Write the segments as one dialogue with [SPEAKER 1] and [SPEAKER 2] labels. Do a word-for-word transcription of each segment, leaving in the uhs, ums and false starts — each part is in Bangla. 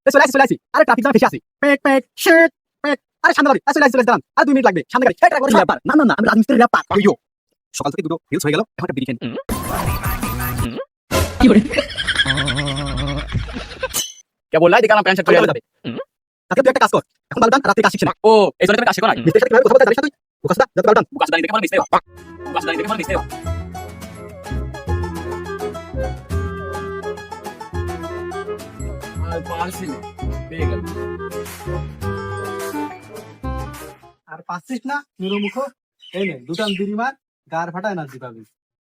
[SPEAKER 1] চলে আসি চলে আসি আরে ট্রাফিক জ্যাম ফেসে আছি পেক পেক শিট পেক আরে সামনে গাড়ি চলে আসি চলে আসি দাঁড়ান আর দুই মিনিট লাগবে সামনে গাড়ি এই ট্রাক করে ব্যাপার না না না আমি রাজমিস্ত্রির ব্যাপার ইয়ো সকাল থেকে দুটো রিলস হয়ে গেল এখন একটা বিড়ি খেন কি করে কে বললাই দেখালাম প্যান্ট শার্ট পরে যাবে আজকে তুই একটা কাজ কর এখন বালটান রাতে কাজ শিখছিস না ও এই জন্য কাজ শিখো না মিস্ত্রির সাথে কিভাবে কথা বলতে জানিস না তুই বুকাসদা যত বালটান বুকাসদা দেখে মানে মিস্ত্রি বুকাসদা দেখে মানে মিস্ত্রি
[SPEAKER 2] আর পারছি না, পেয়ে গেল।
[SPEAKER 3] আর পাচ্ছিস না নিরমুখ এই নে দুটান বিড়ি মার গার ফাটা এনার্জি পাবি।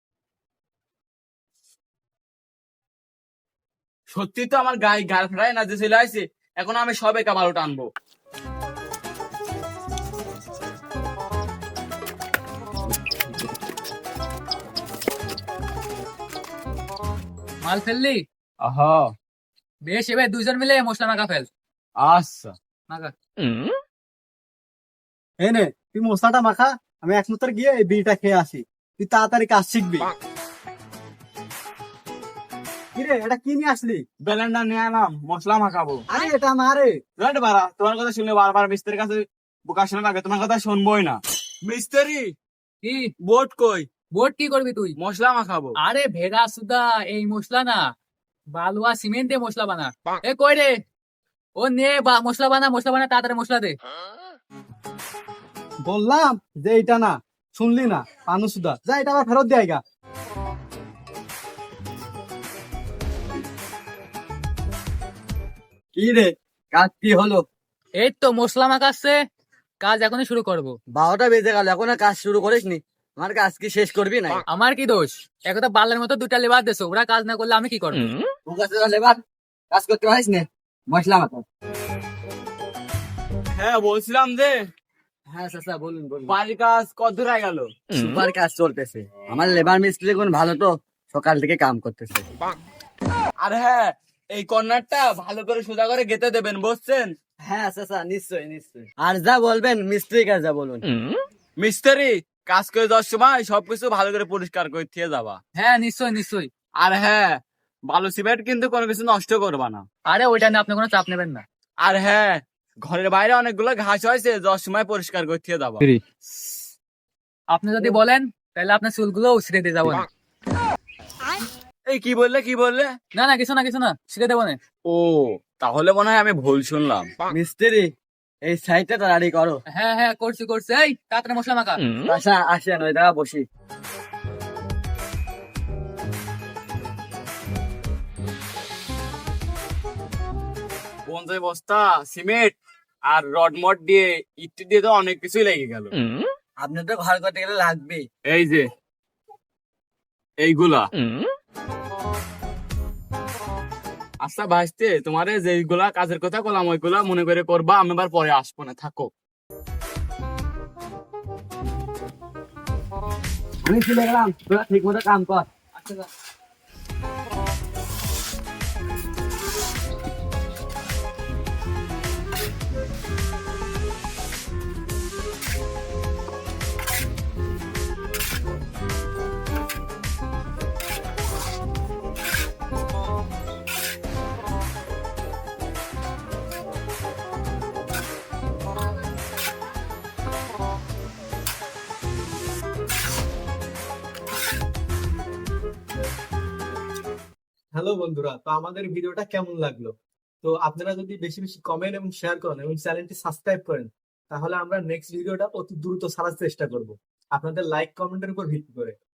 [SPEAKER 2] সত্যি তো আমার গায়ে গাল ফেরায় না যে চলে আসছে, এখন আমি সবে কামালো টানবো।
[SPEAKER 4] মাল ফেললি?
[SPEAKER 2] আহা,
[SPEAKER 4] বেশ, এবার দুইজন মিলে মশলা মাখা ফেল।
[SPEAKER 2] আচ্ছা।
[SPEAKER 4] মাখা।
[SPEAKER 3] এই নে তুই মশলাটা মাখা, আমি এক মুহূর্তে গিয়ে এই বিড়িটা খেয়ে আসি, তুই তাড়াতাড়ি কাজ শিখবি। কিরে এটা কি নিয়ে আসলি?
[SPEAKER 2] ব্যালেন্ডার নিয়ে আনাম, মশলা মাখাবো।
[SPEAKER 3] আরে এটা না রে।
[SPEAKER 2] রাইট বাড়া, তোমার কথা শুনলে বারবার মিস্ত্রির কাছে বোকা শোনা লাগে, তোমার কথা শুনবোই না। মিস্ত্রি
[SPEAKER 4] কি
[SPEAKER 2] বোট কই?
[SPEAKER 4] বোট কি করবি তুই?
[SPEAKER 2] মশলা মাখাবো।
[SPEAKER 4] আরে ভেড়া সুদা, এই মশলা না, বালুয়া সিমেন্ট দিয়ে মশলা বানা। এ কই রে, ও নে বা- মশলা বানা, মশলা বানা, তাড়াতাড়ি মশলা দে।
[SPEAKER 3] বললাম যে এটা না, শুনলি না? পানু সুদা যা এটা আবার ফেরত দেয় গা।
[SPEAKER 5] কি রে, কাজ কি হলো?
[SPEAKER 4] এই তো মশলা মাখাচ্ছে, কাজ এখনই শুরু করব।
[SPEAKER 5] বারোটা বেজে গেল, এখনো কাজ শুরু করিসনি? আমার কাজ কি শেষ করবি না?
[SPEAKER 4] আমার কি দোষ? একদা বালের মতো দুটা লেবার দেছো, ওরা কাজ না করলে আমি কি করবো?
[SPEAKER 5] লেবার কাজ করতে পারিস না? মশলা মাখা।
[SPEAKER 2] হ্যাঁ বলছিলাম যে
[SPEAKER 5] হ্যাঁ চাচা বলুন বলুন।
[SPEAKER 2] বাড়ির কাজ কত দূর হয়ে গেল?
[SPEAKER 5] সুপার কাজ চলতেছে, আমার লেবার মিস্ত্রি কোন ভালো তো, সকাল থেকে কাম করতেছে।
[SPEAKER 2] আর হ্যাঁ, এই কর্নারটা ভালো করে সোজা করে গেতে দেবেন, বুঝছেন?
[SPEAKER 5] হ্যাঁ চাচা নিশ্চয়ই নিশ্চয়ই। আর যা বলবেন মিস্ত্রি কাজ যা বলুন।
[SPEAKER 2] মিস্ত্রি কাজ করে যাওয়ার সময় সবকিছু ভালো করে পরিষ্কার করে দিয়ে যাবা।
[SPEAKER 4] হ্যাঁ নিশ্চয় নিশ্চয়।
[SPEAKER 2] আর হ্যাঁ, বালু সিমেন্ট কিন্তু কোনো কিছু নষ্ট করবা না।
[SPEAKER 4] আরে ওইটা নিয়ে আপনি কোনো চাপ নেবেন না।
[SPEAKER 2] আর হ্যাঁ, ঘরের বাইরে অনেকগুলো ঘাস হয়েছে, যাওয়ার সময় পরিষ্কার করে দিয়ে যাবা।
[SPEAKER 4] আপনি যদি বলেন তাহলে আপনার চুলগুলো ছিঁড়ে দিয়ে যাবো না।
[SPEAKER 2] এই কি বললে কি বললে?
[SPEAKER 4] না না কিছু না কিছু না, ছিঁড়ে দেবো না।
[SPEAKER 2] ও, তাহলে মনে হয় আমি ভুল শুনলাম।
[SPEAKER 5] মিস্ত্রি এই সাইডটা তাড়াতাড়ি করো।
[SPEAKER 4] হ্যাঁ হ্যাঁ করছি করছি, এই তাড়াতাড়ি মশলা মাখা।
[SPEAKER 5] আচ্ছা আসেন ওই জায়গা বসি।
[SPEAKER 2] পঞ্চাশ বস্তা সিমেন্ট আর রড মড দিয়ে ইট দিয়ে তো অনেক কিছুই লেগে গেল।
[SPEAKER 5] আপনার তো ঘর করতে গেলে লাগবে।
[SPEAKER 2] এই যে এইগুলা। আচ্ছা ভাইস্তে, তোমারে যেগুলা কাজের কথা বললাম ওইগুলা মনে করে করবা, আমি আবার পরে আসবো না, থাকো।
[SPEAKER 5] আমি চলে গেলাম, তোরা ঠিক মতো কাম কর।
[SPEAKER 4] আচ্ছা
[SPEAKER 3] হ্যালো বন্ধুরা, তো আমাদের ভিডিওটা কেমন লাগলো? তো আপনারা যদি বেশি বেশি কমেন্ট এবং শেয়ার করেন এবং চ্যানেলটি সাবস্ক্রাইব করেন, তাহলে আমরা নেক্সট ভিডিওটা অতি দ্রুত ছাড়ার চেষ্টা করব আপনাদের লাইক কমেন্টের উপর ভিত্তি করে।